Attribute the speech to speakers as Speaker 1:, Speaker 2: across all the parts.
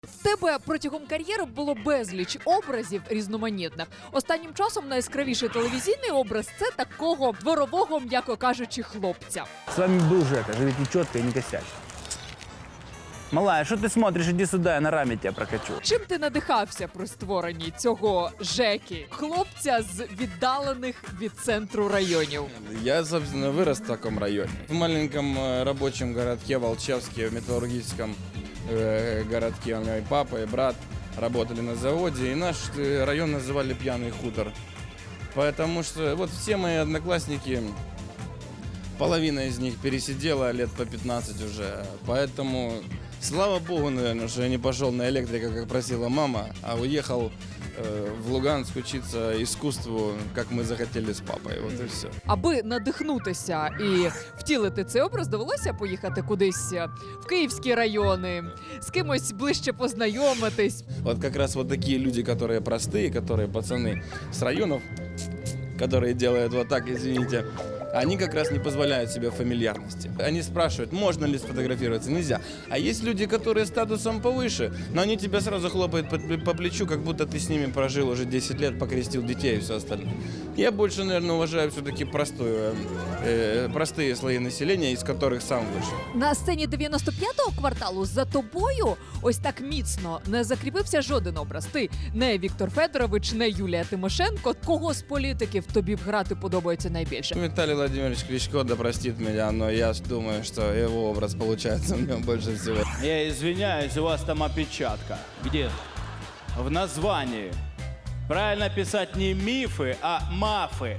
Speaker 1: В тебе протягом кар'єри було безліч образів різноманітних. Останнім часом найяскравіший телевізійний образ – це такого дворового, м'яко кажучи, хлопця.
Speaker 2: С вами был Жека, живите четко и не косячь. Малая, что ты смотришь? Иди сюда, я на раме тебя прокачу.
Speaker 1: Чим ти надихався при створенні цього Жеки, хлопця з віддалених від центру районів?
Speaker 3: Я, собственно, вырос в таком районе. В маленьком рабочем городке Волчевске, в металлургическом городке. У меня и папа, и брат работали на заводе. И наш район называли «Пьяный хутор». Потому что вот все мои одноклассники, половина из них пересидела лет по 15 уже. Поэтому, слава богу, наверное, что я не пошел на электрика, как просила мама, а уехал в Луганск учиться искусству, как мы захотели с папой. Вот и все.
Speaker 1: Аби надихнутися і втілити цей образ, довелося поїхати кудись в київські райони, з кимось ближче познайомитись.
Speaker 3: Вот как раз вот такие люди, которые простые, которые пацаны с районов, которые делают вот так, извините, они как раз не позволяют себе фамильярности. Они спрашивают, можно ли сфотографироваться, нельзя. А есть люди, которые статусом повыше, но они тебя сразу хлопают по плечу, как будто ты с ними прожил уже 10 лет, покрестил детей и все остальное. Я больше, наверное, уважаю все-таки простые слои населения, из которых сам вышел.
Speaker 1: На сцені 95-го кварталу за тобою ось так міцно не закріпився жоден образ. Ти не Віктор Федорович, не Юлія Тимошенко. Кого з політиків тобі б грати подобається найбільше?
Speaker 3: Виталий Владимирович Кличко, да простит меня, но я думаю, что его образ получается у него больше всего.
Speaker 2: Я извиняюсь, у вас там опечатка.
Speaker 4: Где?
Speaker 2: В названии. Правильно писать не мифы, а мафы.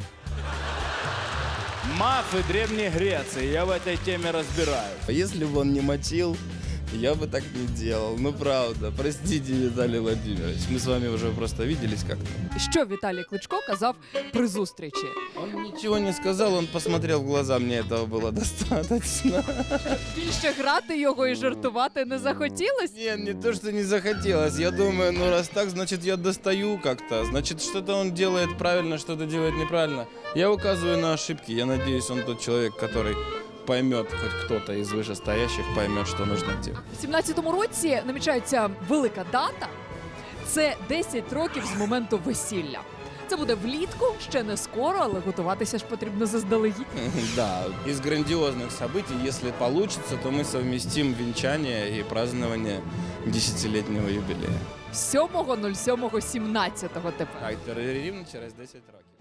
Speaker 2: Мафы Древней Греции. Я в этой теме разбираюсь.
Speaker 3: Если бы он не мочил, я бы так не делал. Ну, правда. Простите, Виталий Владимирович. Мы с вами уже просто виделись как-то.
Speaker 1: Що Віталій Кличко казав при зустрічі?
Speaker 3: Он ничего не сказал, он посмотрел в глаза, мне этого было достаточно.
Speaker 1: Більше грати його і жартувати не захотілось?
Speaker 3: Нет, не то, что не захотелось. Я думаю, ну раз так, значит я достаю как-то. Значит, что-то он делает правильно, что-то делает неправильно. Я указываю на ошибки. Я надеюсь, он тот человек, который поймет, хоть кто-то из вышестоящих поймет, что нужно делать.
Speaker 1: У 17-му році намічається велика дата. Це 10 років з моменту весілля. Це буде влітку, ще не скоро, але готуватися ж потрібно заздалегідь.
Speaker 3: Да, из грандиозных событий, если получится, то мы совместим венчание и празднование 10-летнего юбилея.
Speaker 1: 7.07.17 тепер.
Speaker 3: Так, рівно через 10 років.